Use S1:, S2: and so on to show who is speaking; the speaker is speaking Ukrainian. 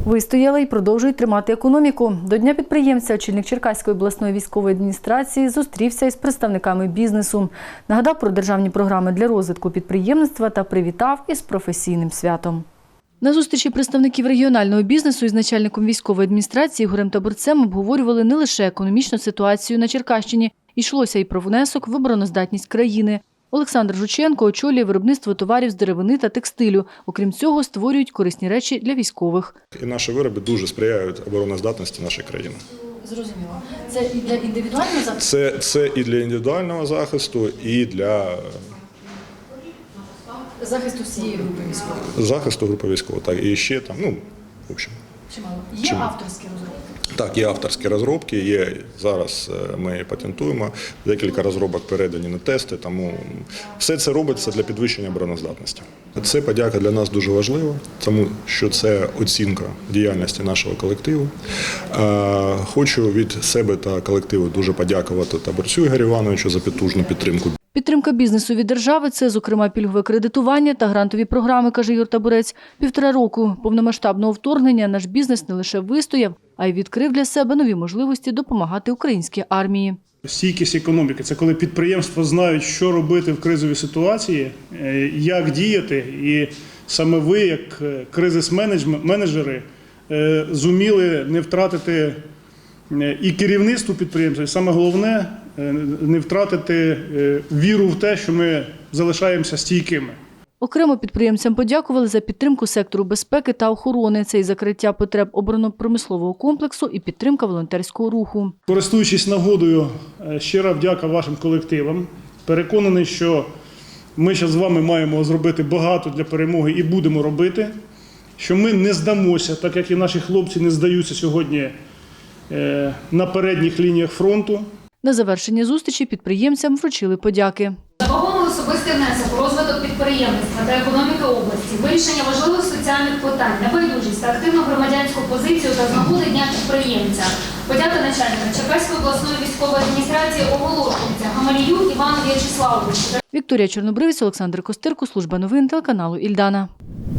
S1: Вистояли і продовжують тримати економіку. До Дня підприємця очільник Черкаської обласної військової адміністрації зустрівся із представниками бізнесу. Нагадав про державні програми для розвитку підприємництва та привітав із професійним святом. На зустрічі представників регіонального бізнесу із начальником військової адміністрації Ігорем Таборцем обговорювали не лише економічну ситуацію на Черкащині. Йшлося і про внесок в обороноздатність країни. Олександр Жученко очолює виробництво товарів з деревини та текстилю. Окрім цього, створюють корисні речі для військових.
S2: І наші вироби дуже сприяють обороноздатності нашої країни.
S1: Зрозуміло. Це і для індивідуального захисту?
S2: Це і для індивідуального захисту, і для
S1: Захисту всієї групи військових.
S2: захисту групи військових. Так, і ще там, в общем.
S1: Чимало. Є авторські розробки?
S2: Так, є авторські розробки, є зараз ми патентуємо, декілька розробок передані на тести, тому все це робиться для підвищення обороноздатності. Це подяка для нас дуже важлива, тому що це оцінка діяльності нашого колективу. Хочу від себе та колективу дуже подякувати Таборцю Ігорю Івановичу за потужну підтримку.
S1: Підтримка бізнесу від держави – це, зокрема, пільгове кредитування та грантові програми, каже Ігор Таборець. 1,5 року повномасштабного вторгнення наш бізнес не лише вистояв, а й відкрив для себе нові можливості допомагати українській армії.
S3: Стійкість економіки – це коли підприємства знають, що робити в кризовій ситуації, як діяти. І саме ви, як кризис-менеджери, зуміли не втратити і керівництво підприємства, і саме головне – не втратити віру в те, що ми залишаємося стійкими.
S1: Окремо підприємцям подякували за підтримку сектору безпеки та охорони. Це і закриття потреб оборонно-промислового комплексу, і підтримка волонтерського руху.
S3: Користуючись нагодою, щира вдяка вашим колективам. Переконаний, що ми зараз з вами маємо зробити багато для перемоги і будемо робити. Що ми не здамося, так як і наші хлопці не здаються сьогодні на передніх лініях фронту.
S1: На завершення зустрічі підприємцям вручили подяки.
S4: За вагомий особистий внесок у розвиток підприємництва та економіки області, вирішення важливих соціальних питань, небайдужість та активну громадянську позицію та з нагоди Дня підприємця. Подяка начальника Черкаської обласної військової адміністрації оголошується Гамалію Івану В'ячеславовичу.
S1: Вікторія Чорнобривець, Олександр Костирко, служба новин телеканалу «Ільдана».